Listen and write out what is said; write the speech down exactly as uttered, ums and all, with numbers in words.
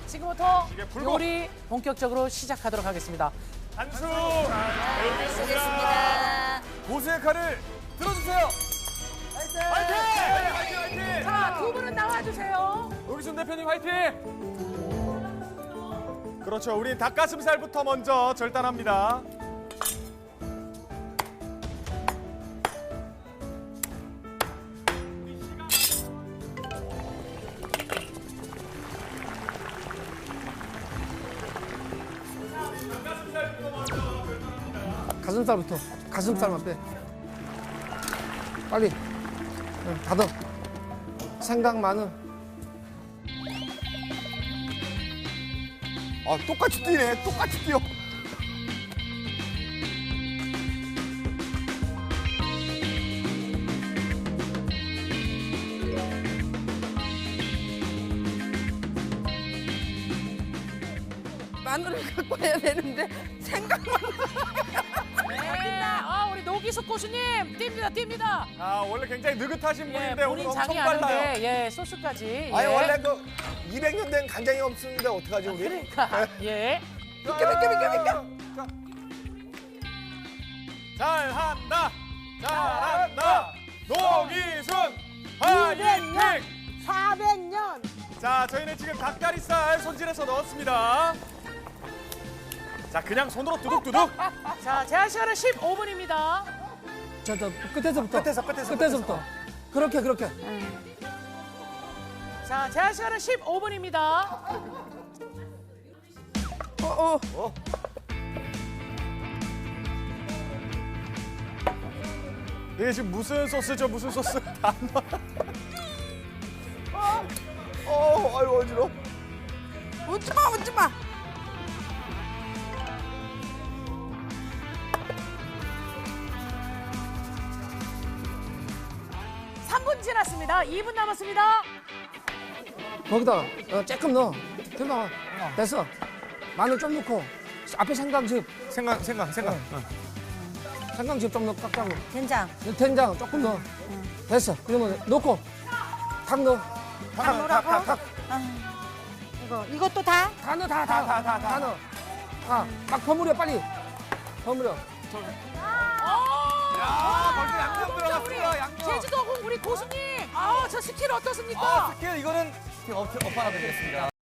지금부터 이게 불고. 요리 본격적으로 시작하도록 하겠습니다. 한수 알겠습니다. 고수의 칼을 들어주세요. 화이팅! 화이팅! 화이팅! 자, 두 분은 나와주세요. 노기순 대표님 화이팅! 그렇죠. 우린 닭가슴살부터 먼저 절단합니다. 가슴살부터. 가슴살만 빼. 빨리. 응, 닫아. 생강, 마늘. 아, 똑같이 뛰네. 똑같이 뛰어. 마늘을 갖고 해야 되는데 생각만. 네. 아, 우리 노기숙 고수님 뜁니다, 뜁니다. 아, 원래 굉장히 느긋하신 예, 분인데 오늘 본인 엄청 장이 빨라요. 아는데, 예, 소스까지. 아니, 예. 원래 그 이백 년 된 간장이 없는데 어떡하지, 우리? 그러니까, 예. 비켜, 비켜, 비켜, 비켜. 잘한다! 잘한다! 노기순 화이팅! 사백 년. 자, 저희는 지금 닭다리살 손질해서 넣었습니다. 자, 그냥 손으로 두둑두둑. 자, 제한 시간은 십오 분입니다. 저, 저, 끝에서부터. 끝에서, 끝에서, 끝에서부터. 그렇게, 그렇게. 자, 제한 시간은 십오 분입니다. 어, 어. 이게 지금 무슨 소스죠? 무슨 소스? 다 넣어. 어, 아유, 어지러워. 웃지 마, 웃지 마. 삼 분 지났습니다. 이 분 남았습니다. 거기다 어, 조금 넣어. 된다. 됐어. 마늘 좀 넣고. 앞에 생강즙. 생각, 생각, 생각. 생강즙 좀 넣어, 깍깍으로. 된장. 된장 조금 넣어. 됐어. 그러면 넣고. 닭 넣어. 탁, 탁, 탁, 탁. 이거 이것도 다? 다 넣어, 다, 다, 다, 다, 다 넣어. 아, 막 버무려, 빨리. 버무려. 아, 벌써 양념 우리 들어갔어요, 양념. 제주도 우리 고수님. 아, 저 스킬 어떻습니까? 아, 스킬 이거는 업하나 드리겠습니다.